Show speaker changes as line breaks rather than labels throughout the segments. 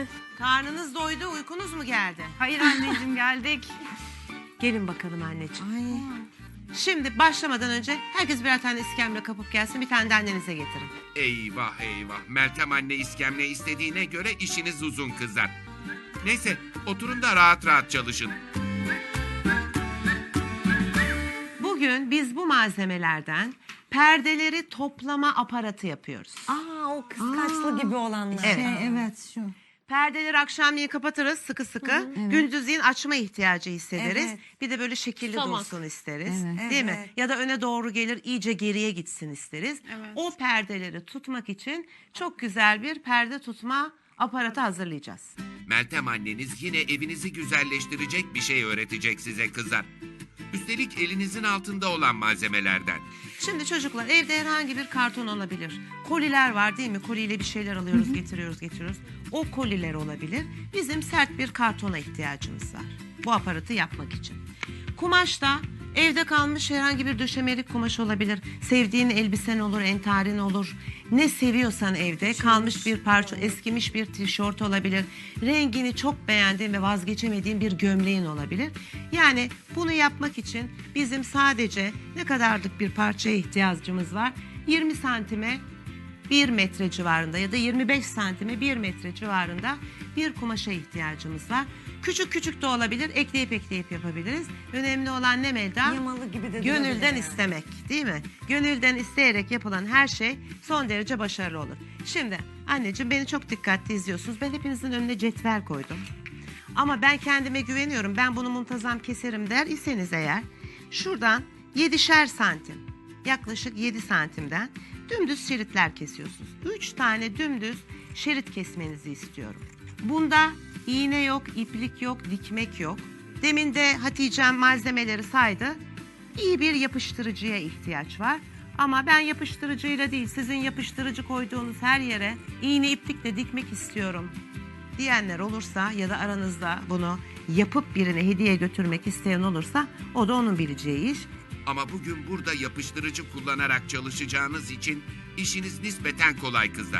Karnınız doydu, uykunuz mu geldi?
Hayır anneciğim geldik.
Gelin bakalım anneciğim.
Ay.
Şimdi başlamadan önce herkes birer tane iskemle kapıp gelsin. Bir tane de annenize getirin.
Eyvah eyvah. Meltem anne iskemle istediğine göre işiniz uzun kızlar. Neyse oturun da rahat rahat çalışın.
Bugün biz bu malzemelerden perdeleri toplama aparatı yapıyoruz.
O kıskaçlı gibi olanlar.
Evet.
Evet şu.
Perdeleri akşamleyin kapatırız sıkı sıkı. Gündüzleyin açma ihtiyacı hissederiz.
Evet.
Bir de böyle şekilli dursun isteriz.
Evet.
Değil mi?
Evet.
Ya da öne doğru gelir iyice geriye gitsin isteriz.
Evet.
O perdeleri tutmak için çok güzel bir perde tutma aparatı hazırlayacağız.
Meltem anneniz yine evinizi güzelleştirecek bir şey öğretecek size kızlar. Üstelik elinizin altında olan malzemelerden.
Şimdi çocuklar evde herhangi bir karton olabilir. Koliler var değil mi? Koliyle bir şeyler alıyoruz, getiriyoruz. O koliler olabilir. Bizim sert bir kartona ihtiyacımız var. Bu aparatı yapmak için. Kumaş da evde kalmış herhangi bir döşemelik kumaş olabilir. Sevdiğin elbisen olur, entarin olur. Ne seviyorsan evde kalmış bir parça, eskimiş bir tişört olabilir. Rengini çok beğendiğin ve vazgeçemediğin bir gömleğin olabilir. Yani bunu yapmak için bizim sadece ne kadarlık bir parçaya ihtiyacımız var? 20 santime 1 metre civarında ya da 25 santime 1 metre civarında bir kumaşa ihtiyacımız var. Küçük küçük de olabilir, ekleyip yapabiliriz. Önemli olan ne Melda?
Yamalı gibi de
Gönülden
durabilir yani.
istemek, değil mi? Gönülden isteyerek yapılan her şey son derece başarılı olur. Şimdi anneciğim beni çok dikkatli izliyorsunuz. Ben hepinizin önüne cetvel koydum. Ama ben kendime güveniyorum. Ben bunu muntazam keserim der iseniz eğer şuradan 7'şer santim, yaklaşık 7 santimden dümdüz şeritler kesiyorsunuz. 3 tane dümdüz şerit kesmenizi istiyorum. Bunda iğne yok, iplik yok, dikmek yok. Demin de Hatice'm malzemeleri saydı. İyi bir yapıştırıcıya ihtiyaç var. Ama ben yapıştırıcıyla değil, sizin yapıştırıcı koyduğunuz her yere iğne iplikle dikmek istiyorum diyenler olursa ya da aranızda bunu yapıp birine hediye götürmek isteyen olursa o da onun bileceği iş.
Ama bugün burada yapıştırıcı kullanarak çalışacağınız için işiniz nispeten kolay kızlar.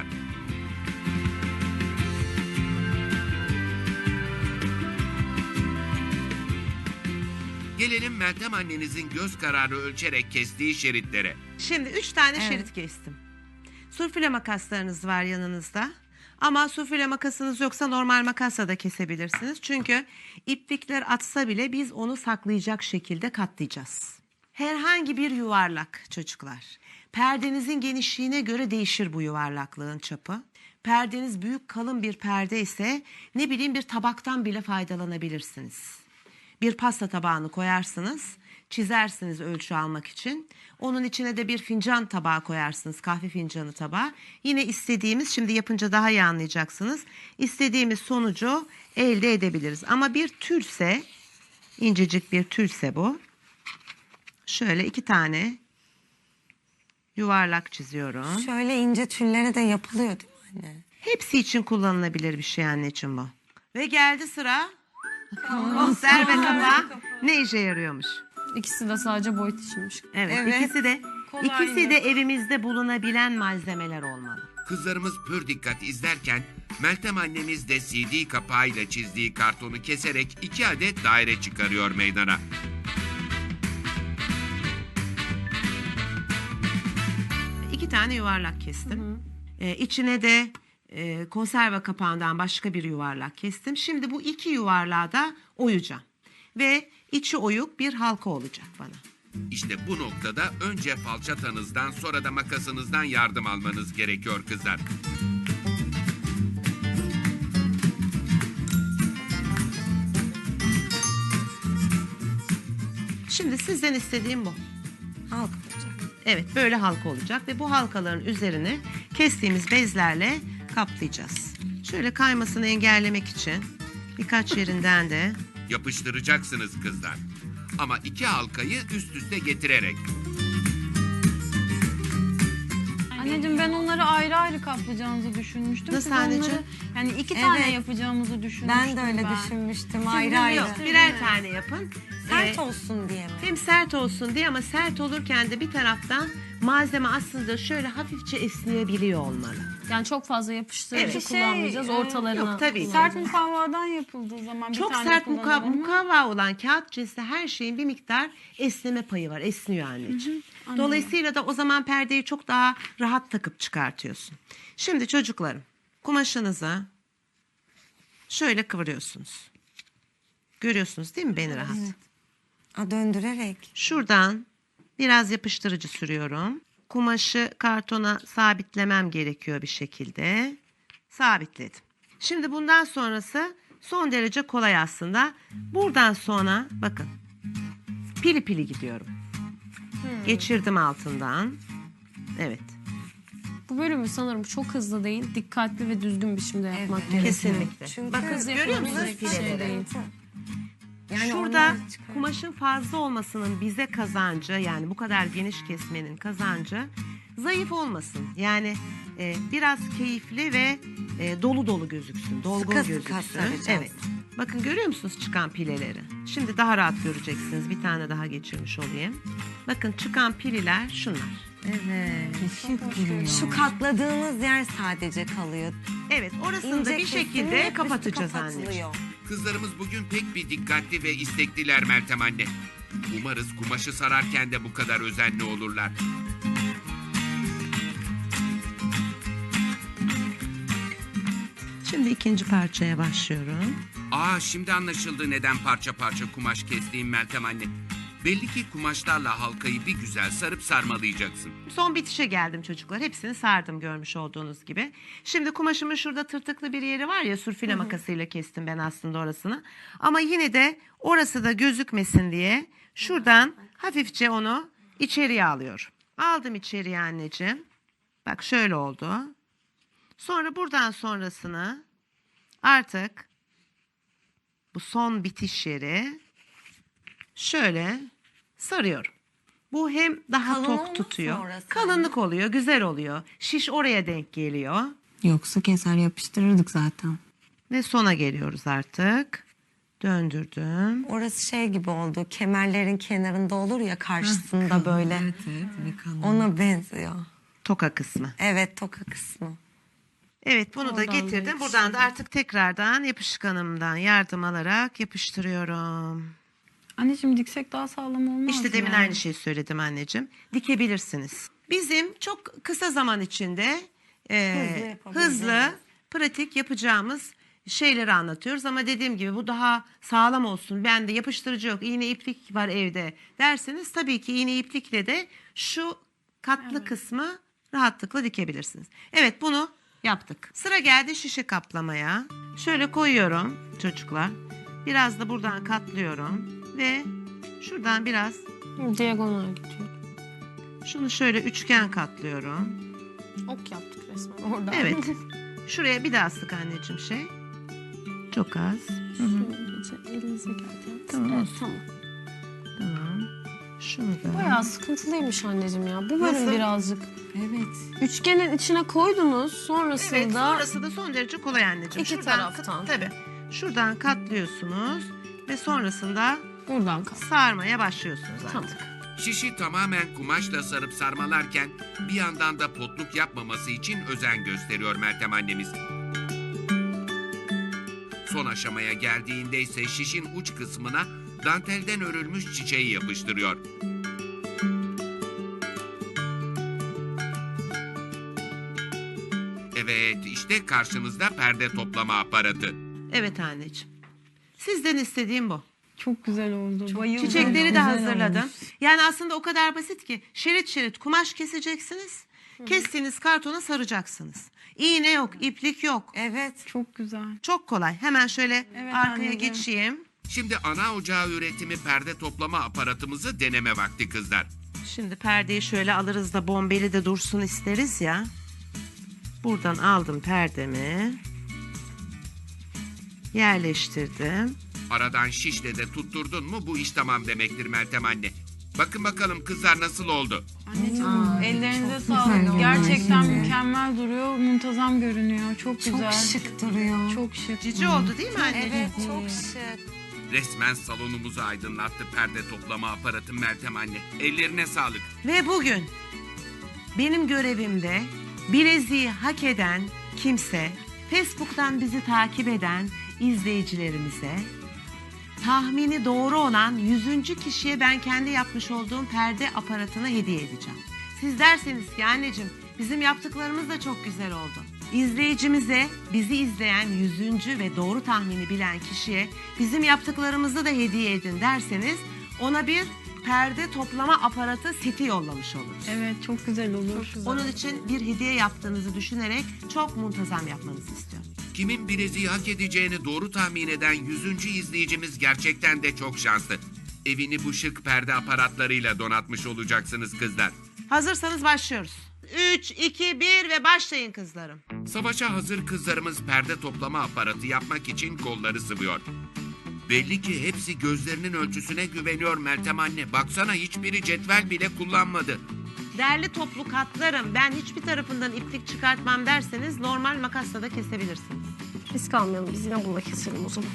Gelelim Meltem annenizin göz kararı ölçerek kestiği şeritlere.
Şimdi 3 tane şerit kestim. Sufle makaslarınız var yanınızda. Ama sufle makasınız yoksa normal makasla da kesebilirsiniz. Çünkü iplikler atsa bile biz onu saklayacak şekilde katlayacağız. Herhangi bir yuvarlak çocuklar. Perdenizin genişliğine göre değişir bu yuvarlaklığın çapı. Perdeniz büyük kalın bir perde ise ne bileyim bir tabaktan bile faydalanabilirsiniz. Bir pasta tabağını koyarsınız, çizersiniz ölçü almak için. Onun içine de bir fincan tabağı koyarsınız, kahve fincanı tabağı. Yine istediğimiz, şimdi yapınca daha iyi anlayacaksınız, İstediğimiz sonucu elde edebiliriz. Ama bir tülse, incecik bir tülse bu. Şöyle 2 tane yuvarlak çiziyorum.
Şöyle ince tüllere de yapılıyor değil mi anne?
Hepsi için kullanılabilir bir şey anneciğim bu. Ve geldi sıra konserve kapağı. Ne işe yarıyormuş?
İkisi de sadece boyut içinmiş.
Evet,
Evet.
ikisi de evimizde bulunabilen malzemeler olmalı.
Kızlarımız pür dikkat izlerken Meltem annemiz de CD kapağıyla çizdiği kartonu keserek 2 adet daire çıkarıyor meydana.
İki tane yuvarlak kestim. İçine de konserve kapağından başka bir yuvarlak kestim. Şimdi bu 2 yuvarlağı da oyacağım. Ve içi oyuk bir halka olacak bana.
İşte bu noktada önce falçatanızdan sonra da makasınızdan yardım almanız gerekiyor kızlar.
Şimdi sizden istediğim bu.
Halk olacak.
Evet, böyle halka olacak ve bu halkaların üzerine kestiğimiz bezlerle kaplayacağız. Şöyle kaymasını engellemek için birkaç yerinden de
Yapıştıracaksınız kızlar. Ama 2 halkayı üst üste getirerek.
Anneciğim ben onları ayrı ayrı kaplayacağınızı düşünmüştüm.
nasıl
Siz
anneciğim?
onları Yani 2 tane
Evet.
yapacağımızı düşünmüştüm
Ben de öyle düşünmüştüm. Ayrı ayrı.
Yok, birer tane yapın.
Sert olsun diye mi?
Hem sert olsun diye ama sert olurken de bir taraftan malzeme aslında şöyle hafifçe esneyebiliyor olmalı.
Yani çok fazla yapıştırıcı
Evet.
kullanmayacağız. Ortalarına
Yok, tabii ki.
kullanacağız.
Sert mukavvadan yapıldığı zaman bir
Çok
tane
sert
kullanalım mı?
mukavva olan kağıt cinsi her şeyin bir miktar esneme payı var. Esniyor anneciğim. Dolayısıyla da o zaman perdeyi çok daha rahat takıp çıkartıyorsun. Şimdi çocuklarım kumaşınızı şöyle kıvırıyorsunuz. Görüyorsunuz değil mi beni rahat?
Döndürerek.
Şuradan biraz yapıştırıcı sürüyorum. Kumaşı kartona sabitlemem gerekiyor bir şekilde. Sabitledim. Şimdi bundan sonrası son derece kolay aslında. Buradan sonra bakın pili pili gidiyorum. Geçirdim altından. Evet.
Bu bölümü sanırım çok hızlı değil, dikkatli ve düzgün biçimde yapmak gerekiyor.
Kesinlikle.
Çünkü
Bakın
Hız
görüyor
yapıyoruz,
musunuz
bir şey
pileleri?
değil.
Yani
Şurada
onlar çıkar.
kumaşın fazla olmasının bize kazancı, yani bu kadar geniş kesmenin kazancı zayıf olmasın. Yani biraz keyifli ve dolu dolu gözüksün, dolgun
Sıka sıka
gözüksün.
saracağız.
Evet. Bakın görüyor musunuz çıkan pileleri? Şimdi daha rahat göreceksiniz. Bir tane daha geçirmiş olayım. Bakın çıkan pililer şunlar.
Evet. Şu katladığımız yer sadece kalıyor.
Evet, orasını
İnce
da bir şekilde
kesilip üstü
kapatacağız
kapatılıyor.
anneciğim.
Kızlarımız bugün pek bir dikkatli ve istekliler Meltem anne. Umarız kumaşı sararken de bu kadar özenli olurlar.
Şimdi ikinci parçaya başlıyorum.
Şimdi anlaşıldı neden parça parça kumaş kestiğim Meltem anne. Belli ki kumaşlarla halkayı bir güzel sarıp sarmalayacaksın.
Son bitişe geldim çocuklar. Hepsini sardım görmüş olduğunuz gibi. Şimdi kumaşımın şurada tırtıklı bir yeri var ya, sürfile makasıyla kestim ben aslında orasını. Ama yine de orası da gözükmesin diye şuradan hafifçe onu içeriye alıyorum. Aldım içeriye anneciğim. Bak şöyle oldu. Sonra buradan sonrasını artık bu son bitiş yeri şöyle sarıyorum. Bu hem daha
Kalın olmaz mı
tok tutuyor.
orası?
Kalınlık oluyor, güzel oluyor. Şiş oraya denk geliyor.
Yoksa keser yapıştırırdık zaten.
Ve sona geliyoruz artık. Döndürdüm.
Orası şey gibi oldu. Kemerlerin kenarında olur ya karşısında böyle.
Evet bir kalın.
Ona benziyor.
Toka kısmı.
Evet, toka kısmı.
Evet, bunu da
Oradan da
getirdim. Buradan da artık tekrardan yapışkanımdan yardım alarak yapıştırıyorum.
Anneciğim diksek daha sağlam olmaz
İşte
mı
demin
yani?
aynı şeyi söyledim anneciğim. Dikebilirsiniz. Bizim çok kısa zaman içinde
yapabileceğimiz.
hızlı, pratik yapacağımız şeyleri anlatıyoruz. Ama dediğim gibi bu daha sağlam olsun. Bende yapıştırıcı yok, iğne iplik var evde derseniz tabii ki iğne iplikle de şu katlı kısmı rahatlıkla dikebilirsiniz. Evet, bunu yaptık. Sıra geldi şişe kaplamaya. Şöyle koyuyorum çocuklar. Biraz da buradan katlıyorum ve şuradan biraz
Diagonal gidiyor.
şunu şöyle üçgen katlıyorum.
Ok yaptık resmen orada.
Evet. Şuraya bir daha sık anneciğim şey. Çok az.
Elinize geldi.
Tamam,
Evet,
olsun.
tamam.
Tamam. Şunu da.
Bayağı sıkıntılıymış anneciğim ya. Bu bölüm
Nasıl?
birazcık.
Evet.
Üçgenin içine koydunuz.
Evet,
Sonrasında
sonrası da son derece kolay anneciğim.
İki taraftan.
Tabii. Şuradan katlıyorsunuz ve sonrasında
buradan kal.
sarmaya başlıyorsunuz artık.
Tamam.
Şişi tamamen kumaşla sarıp sarmalarken bir yandan da potluk yapmaması için özen gösteriyor Meltem annemiz. Son aşamaya geldiğinde ise şişin uç kısmına dantelden örülmüş çiçeği yapıştırıyor. Evet, işte karşınızda perde toplama aparatı.
Evet anneciğim. Sizden istediğim bu.
Çok güzel oldu. Bayıldım.
Çiçekleri de
Güzel
hazırladım.
olmuş.
Yani aslında o kadar basit ki şerit şerit kumaş keseceksiniz. Kestiğiniz kartona saracaksınız. İğne yok, iplik yok.
Evet.
Çok güzel.
Çok kolay. Hemen şöyle
Evet,
arkaya
anneciğim.
geçeyim.
Şimdi ana ocağı üretimi perde toplama aparatımızı deneme vakti kızlar.
Şimdi perdeyi şöyle alırız da bombeli de dursun isteriz ya. Buradan aldım perdemi. Yerleştirdim.
Aradan şişle de tutturdun mu bu iş tamam demektir Meltem anne. Bakın bakalım kızlar nasıl oldu?
Anneciğim ellerinize sağlık. Gerçekten mükemmel duruyor. Muntazam görünüyor. Çok güzel.
Çok şık duruyor.
Çok şık.
Cici oldu değil mi anneciğim?
Evet çok şık.
Resmen salonumuzu aydınlattı perde toplama aparatı Meltem anne. Ellerine sağlık.
Ve bugün benim görevimde bileziği hak eden kimse, Facebook'tan bizi takip eden izleyicilerimize, tahmini doğru olan 100. kişiye ben kendi yapmış olduğum perde aparatını hediye edeceğim. Siz derseniz ki anneciğim bizim yaptıklarımız da çok güzel oldu. İzleyicimize, bizi izleyen 100. ve doğru tahmini bilen kişiye bizim yaptıklarımızı da hediye edin derseniz ona bir perde toplama aparatı seti yollamış oluruz.
Evet çok güzel olur.
Onun için bir hediye yaptığınızı düşünerek çok muntazam yapmanızı istiyorum.
Kimin bileziği hak edeceğini doğru tahmin eden 100. izleyicimiz gerçekten de çok şanslı. Evini bu şık perde aparatlarıyla donatmış olacaksınız kızlar.
Hazırsanız başlıyoruz. 3, 2, 1 ve başlayın kızlarım.
Savaşa hazır kızlarımız perde toplama aparatı yapmak için kolları sıvıyor. Belli ki hepsi gözlerinin ölçüsüne güveniyor Meltem anne. Baksana hiçbiri cetvel bile kullanmadı.
Değerli toplu katlarım, ben hiçbir tarafından iplik çıkartmam derseniz normal makasla da kesebilirsiniz.
Risk almayalım, biz yine bununla keselim o zaman.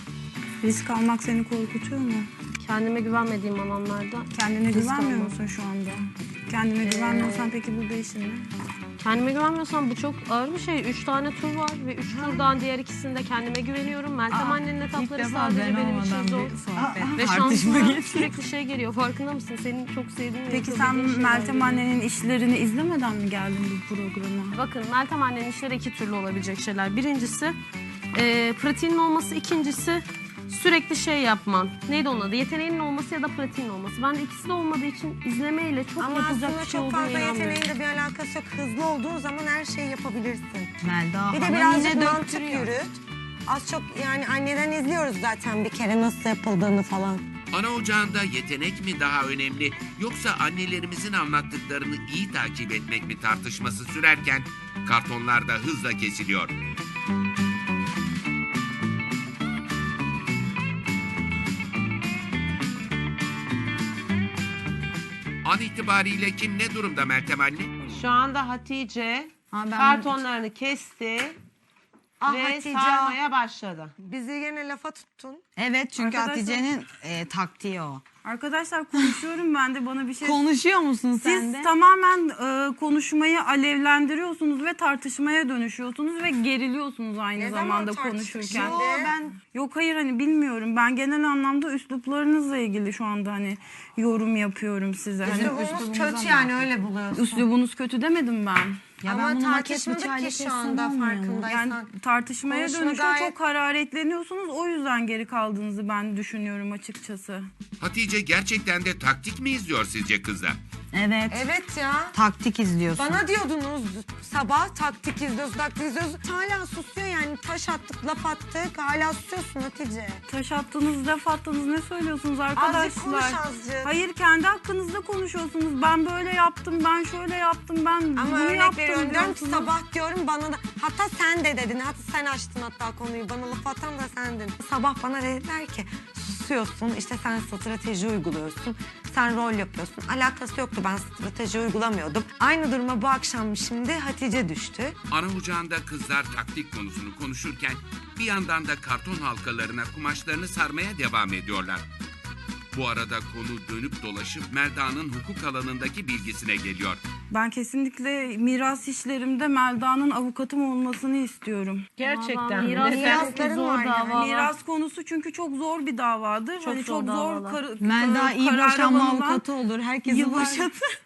Risk almak seni korkutuyor mu?
Kendime güvenmediğim alanlarda
Kendine
risk
güvenmiyor
almam.
musun şu anda? Kendine güvenmiyorsan peki burada işin ne?
Kendime güvenmiyorsam bu çok ağır bir şey. 3 tane tur var ve 3 turdan diğer ikisinde kendime güveniyorum. Meltem annenin etapları sadece benim için zor. Ve şansıma sürekli şey geliyor. Farkında mısın? Senin çok sevdiğin ve
Peki sen
yapabildiğin şeyler
Meltem
geliyor.
annenin işlerini izlemeden mi geldin bu programa?
Bakın Meltem annenin işleri 2 türlü olabilecek şeyler. Birincisi pratiğinin olması. İkincisi sürekli şey yapman. Neydi onun adı? Yeteneğinin olması ya da pratiğinin olması. Ben de ikisi de olmadığı için izlemeyle çok
Ama
yapılacak
aslında
bir şey
çok
olduğunu
fazla
inanmıyorum.
yeteneğin de bir alakası yok. Hızlı olduğun zaman her şeyi yapabilirsin.
Melda
Bir de
Hanım
birazcık
yine
mantık
döktürüyor.
yürüt. Az çok yani anneden izliyoruz zaten bir kere nasıl yapıldığını falan.
Ana ocağında yetenek mi daha önemli yoksa annelerimizin anlattıklarını iyi takip etmek mi tartışması sürerken kartonlar da hızla kesiliyor. An itibariyle kim ne durumda Meltem anne?
Şu anda Hatice
ben-
kartonlarını kesti ve
Hatice.
sarmaya başladı.
Bizi yine lafa tuttun.
Evet çünkü
Arkadaşlar-
Hatice'nin taktiği o.
Arkadaşlar konuşuyorum ben de bana bir şey...
Konuşuyor musun sen
Siz
de?
tamamen konuşmayı alevlendiriyorsunuz ve tartışmaya dönüşüyorsunuz ve geriliyorsunuz aynı
Ne zaman
zamanda
tartıştık
konuşurken.
şimdi?
Yok hayır hani bilmiyorum. Ben genel anlamda üsluplarınızla ilgili şu anda hani yorum yapıyorum size. Hani
Üslubumuz kötü yani öyle buluyorsun.
üslubunuz kötü demedim ben.
Ya ben
Ama
bunu hak etme
tartışmadık ki
çaylak
şu anda
etsem olmuyor mu?
farkındaysan.
Yani tartışmaya
Konuşma
dönüşüyor.
gayet-
Çok hararetleniyorsunuz. O yüzden geri kaldığınızı ben düşünüyorum açıkçası.
Hatice gerçekten de taktik mi izliyor sizce kızlar?
Evet.
Evet ya.
Taktik izliyorsun.
Bana diyordunuz sabah taktik izliyoruz, taktik izliyoruz. Hala susuyor yani taş attık, laf attık. Hala susuyorsun Hatice.
Taş attınız, laf attınız. Ne söylüyorsunuz
Azıcık
arkadaşlar?
konuş azıcık.
Hayır kendi hakkınızda konuşuyorsunuz. Ben böyle yaptım, ben şöyle yaptım, ben
Ama
bunu
örnek
yaptım
veriyorum diyorum ki
diyorsunuz.
sabah diyorum bana da hatta sen de dedin hatta sen açtın hatta konuyu bana laf atan da sendin. Sabah bana dediler ki susuyorsun işte sen strateji uyguluyorsun sen rol yapıyorsun. Alakası yoktu ben strateji uygulamıyordum. Aynı duruma bu akşam şimdi Hatice düştü.
Ana ocağında kızlar taktik konusunu konuşurken bir yandan da karton halkalarına kumaşlarını sarmaya devam ediyorlar. Bu arada konu dönüp dolaşıp Melda'nın hukuk alanındaki bilgisine geliyor.
Ben kesinlikle miras işlerimde Melda'nın avukatım olmasını istiyorum.
Gerçekten.
Miras
Mirasların
zor
var yani.
davalar.
Miras konusu çünkü çok zor bir davadır.
Çok
Hani
zor
çok zor
davalar.
Melda iyi
karar
boşanma
alınan-
avukatı olur. Herkesi
Yıllar-
boşatır.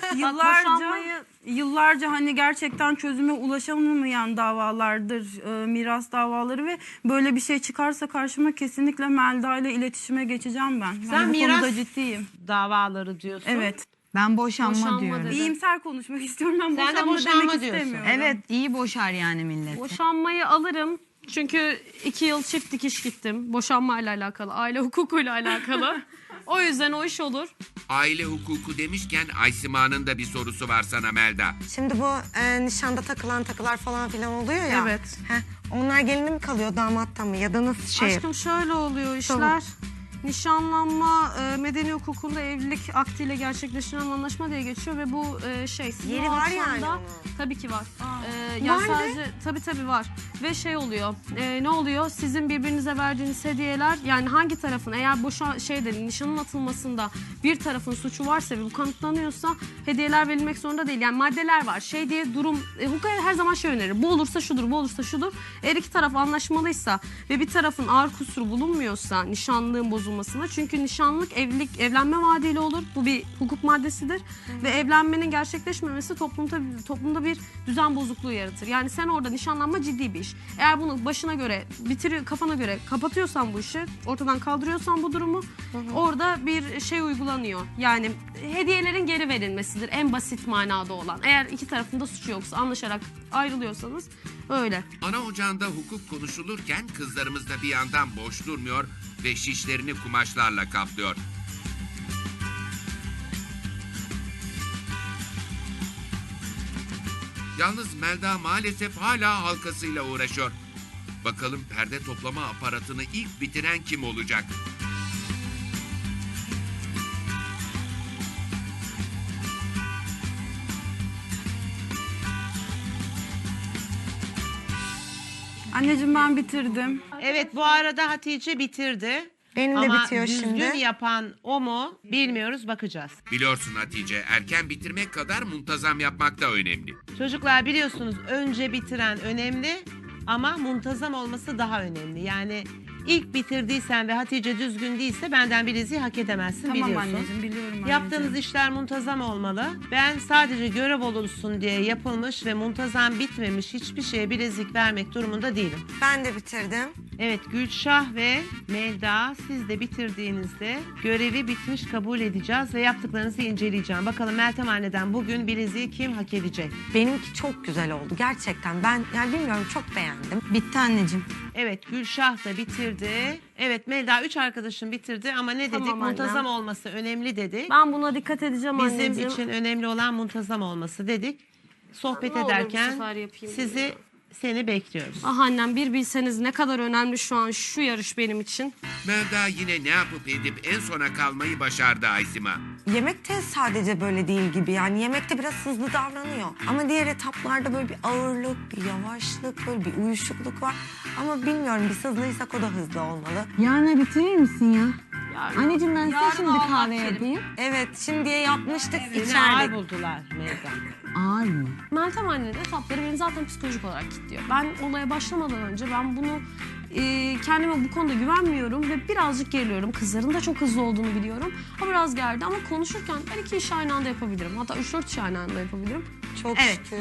Yıllarca hani gerçekten çözüme ulaşamayan davalardır miras davaları ve böyle bir şey çıkarsa karşıma kesinlikle Melda ile iletişime geçeceğim ben.
Sen
Ben bu
miras
konuda ciddiyim.
davaları diyorsun.
Evet.
Ben boşanma
Boşanma
diyorum.
dedi.
İyimser konuşmak istiyorum. Ben
Sen de
boşanma
boşanma
demek
diyorsun.
istemiyorum.
Evet iyi boşar yani millet.
Boşanmayı alırım. Çünkü 2 yıl çift dikiş gittim. Boşanmayla alakalı, aile hukukuyla alakalı. O yüzden o iş olur.
Aile hukuku demişken Aysima'nın da bir sorusu var sana Melda.
Şimdi bu nişanda takılan takılar falan filan oluyor ya.
Evet.
Onlar gelinde mi kalıyor damatta mı ya da nasıl şey?
Aşkım şöyle oluyor işler. Nişanlanma medeni hukukunda evlilik aktiyle gerçekleştirilen anlaşma diye geçiyor ve bu sizin
Yeri
o
var
akşamda
yani onun.
tabii ki var. Yani sadece tabii var ve oluyor. Ne oluyor? Sizin birbirinize verdiğiniz hediyeler yani hangi tarafın eğer nişanın atılmasında bir tarafın suçu varsa ve bu kanıtlanıyorsa hediyeler verilmek zorunda değil. Yani maddeler var. Diye durum hukuk her zaman önerir. Bu olursa şudur, bu olursa şudur. Eğer iki taraf anlaşmalıysa ve bir tarafın ağır kusuru bulunmuyorsa nişanlığın bozulmasına çünkü nişanlık evlenme vaadiyle olur. Bu bir hukuk maddesidir ve evlenmenin gerçekleşmemesi toplumda bir düzen bozukluğu yaratır. Yani sen orada nişanlanma ciddi bir iş. Eğer bunu başına göre kafana göre kapatıyorsan bu işi, ortadan kaldırıyorsan bu durumu orada bir uygulanıyor. Yani hediyelerin geri verilmesidir en basit manada olan. Eğer iki tarafında suçu yoksa anlaşarak ayrılıyorsanız öyle.
Ana ocağında hukuk konuşulurken kızlarımız da bir yandan boş durmuyor ve şişlerini kumaşlarla kaplıyor. Yalnız Melda maalesef hala halkasıyla uğraşıyor. Bakalım perde toplama aparatını ilk bitiren kim olacak?
Anneciğim ben bitirdim.
Evet, bu arada Hatice bitirdi.
Benim de
Ama
bitiyor
düzgün
şimdi.
yapan o mu bilmiyoruz, bakacağız.
Biliyorsun Hatice, erken bitirmek kadar muntazam yapmak da önemli.
Çocuklar biliyorsunuz önce bitiren önemli ama muntazam olması daha önemli. Yani ilk bitirdiysen ve Hatice düzgün değilse benden bileziği hak edemezsin,
Tamam
biliyorsun.
anneciğim, biliyorum anneciğim.
Yaptığınız işler muntazam olmalı. Ben sadece görev olursun diye yapılmış ve muntazam bitmemiş hiçbir şeye bilezik vermek durumunda değilim.
Ben de bitirdim.
Evet, Gülşah ve Melda, siz de bitirdiğinizde görevi bitmiş kabul edeceğiz ve yaptıklarınızı inceleyeceğim. Bakalım Meltem anneden bugün bileziği kim hak edecek?
Benimki çok güzel oldu gerçekten. Ben yani bilmiyorum, çok beğendim.
Bitti anneciğim.
Evet, Gülşah da bitirdi. Evet, Melda 3 arkadaşım bitirdi ama ne dedik?
Tamam annem.
Muntazam olması önemli dedik.
Ben buna dikkat edeceğim
Bizim
anneciğim.
için önemli olan muntazam olması dedik. Sohbet
Ne olur bu
ederken
sefer yapayım
seni bekliyoruz.
Ah annem bir bilseniz ne kadar önemli şu an şu yarış benim için.
Melda yine ne yapıp edip en sona kalmayı başardı Aysima.
Yemekte sadece böyle değil gibi, yani yemekte biraz hızlı davranıyor. Ama diğer etaplarda böyle bir ağırlık, bir yavaşlık, böyle bir uyuşukluk var. Ama bilmiyorum, biz hızlıysak o da hızlı olmalı.
Yarına bitirir misin ya?
Yarın-
Anneciğim ben size
Yarın
şimdi
Allah
kahve
kerim.
yapayım.
Evet, şimdiye yapmıştık,
Seni ağır
içerdik.
buldular Melda.
Ağır mı?
Meltem annenin etapları beni zaten psikolojik olarak kilitliyor. Ben olaya başlamadan önce ben bunu kendime bu konuda güvenmiyorum ve birazcık geriliyorum. Kızların da çok hızlı olduğunu biliyorum. O biraz gerdi ama konuşurken ben 2 işi aynı anda yapabilirim. Hatta 3-4 işi aynı anda yapabilirim.
Çok
Evet.
şükür.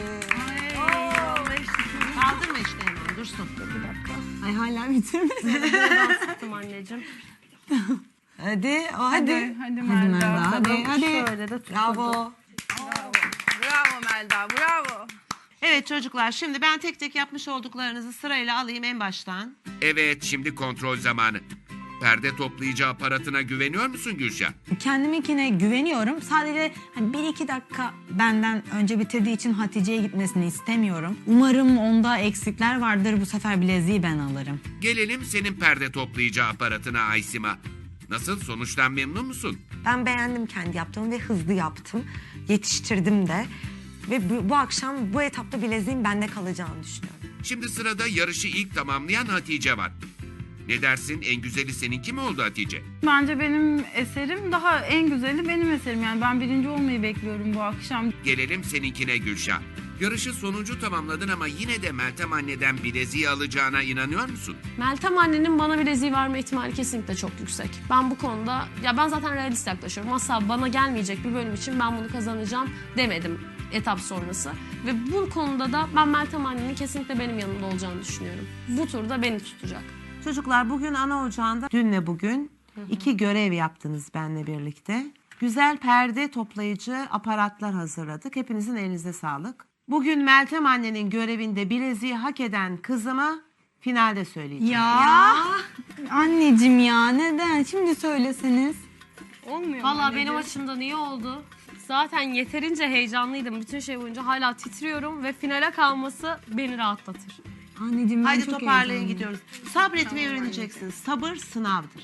Kaldırma işte hemen, dursun.
Bir dakika.
Ay hala bitirmedin.
Ben sıktım anneciğim.
Hadi
Hadi Melda.
hadi.
Şöyle de tuturdum.
Bravo.
Bravo Melda, bravo.
Evet çocuklar, şimdi ben tek tek yapmış olduklarınızı sırayla alayım en baştan.
Evet, şimdi kontrol zamanı. Perde toplayıcı aparatına güveniyor musun Gülşah?
Kendiminkine güveniyorum. Sadece 1-2 dakika benden önce bitirdiği için Hatice'ye gitmesini istemiyorum. Umarım onda eksikler vardır. Bu sefer bileziği ben alırım.
Gelelim senin perde toplayıcı aparatına Aysima. Nasıl, sonuçtan memnun musun?
Ben beğendim kendi yaptığımı ve hızlı yaptım. Yetiştirdim de. Ve bu akşam bu etapta bileziğin bende kalacağını düşünüyorum.
Şimdi sırada yarışı ilk tamamlayan Hatice var. Ne dersin, en güzeli seninki mi oldu Hatice?
Bence benim eserim daha en güzeli benim eserim. Yani ben birinci olmayı bekliyorum bu akşam.
Gelelim seninkine Gülşah. Yarışı sonuncu tamamladın ama yine de Meltem anneden bileziği alacağına inanıyor musun?
Meltem annenin bana bileziği verme ihtimali kesinlikle çok yüksek. Ben bu konuda, ya ben zaten realist yaklaşıyorum. Asla bana gelmeyecek bir bölüm için ben bunu kazanacağım demedim etap sonrası. Ve bu konuda da ben Meltem annenin kesinlikle benim yanımda olacağını düşünüyorum. Bu turda beni tutacak.
Çocuklar, bugün ana ocağında dünle bugün 2 görev yaptınız benle birlikte. Güzel perde toplayıcı aparatlar hazırladık. Hepinizin elinize sağlık. Bugün Meltem annenin görevinde bileziği hak eden kızıma finalde söyleyeceğim.
Ya. Anneciğim ya neden? Şimdi söyleseniz.
Olmuyor mu
Valla
anneciğim?
benim açımdan iyi oldu. Zaten yeterince heyecanlıydım. Bütün şey boyunca hala titriyorum ve finale kalması beni rahatlatır.
Anneciğim ben
Haydi
çok
toparlayın,
heyecanlıyım.
gidiyoruz. Sabretmeyi öğreneceksiniz. Sabır sınavdır.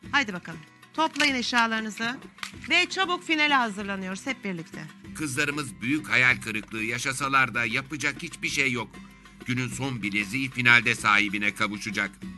Haydi bakalım. Toplayın eşyalarınızı ve çabuk finale hazırlanıyoruz hep birlikte.
Kızlarımız büyük hayal kırıklığı yaşasalar da yapacak hiçbir şey yok. Günün son bileziği finalde sahibine kavuşacak.